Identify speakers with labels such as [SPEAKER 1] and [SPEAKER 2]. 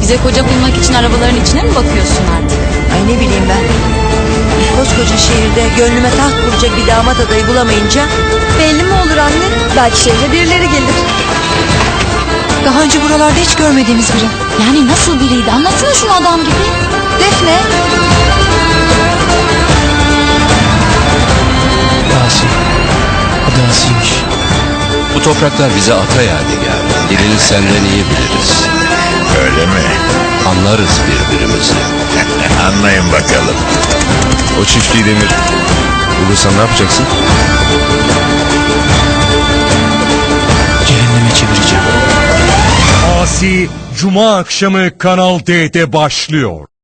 [SPEAKER 1] Bize koca bulmak için arabaların içine mi bakıyorsun artık?
[SPEAKER 2] Ay ne bileyim ben. Koskoca şehirde gönlüme taht kuracak bir damat adayı bulamayınca...
[SPEAKER 3] Belli mi olur anne? Belki şehre birileri gelir.
[SPEAKER 2] Daha önce buralarda hiç görmediğimiz biri.
[SPEAKER 1] Yani nasıl biriydi? Anlatsana şunu adam gibi.
[SPEAKER 3] Defne.
[SPEAKER 4] Asi. Adı Asi'ymiş.
[SPEAKER 5] Bu topraklar bize ata yadigar. Dilini senden iyi biliriz.
[SPEAKER 6] Öyle mi?
[SPEAKER 5] Anlarız birbirimizi.
[SPEAKER 6] Anlayın bakalım.
[SPEAKER 7] O çiftliği Demir. Bulursan ne yapacaksın?
[SPEAKER 4] Cehenneme çevireceğim.
[SPEAKER 8] Asi Cuma akşamı Kanal D'de başlıyor.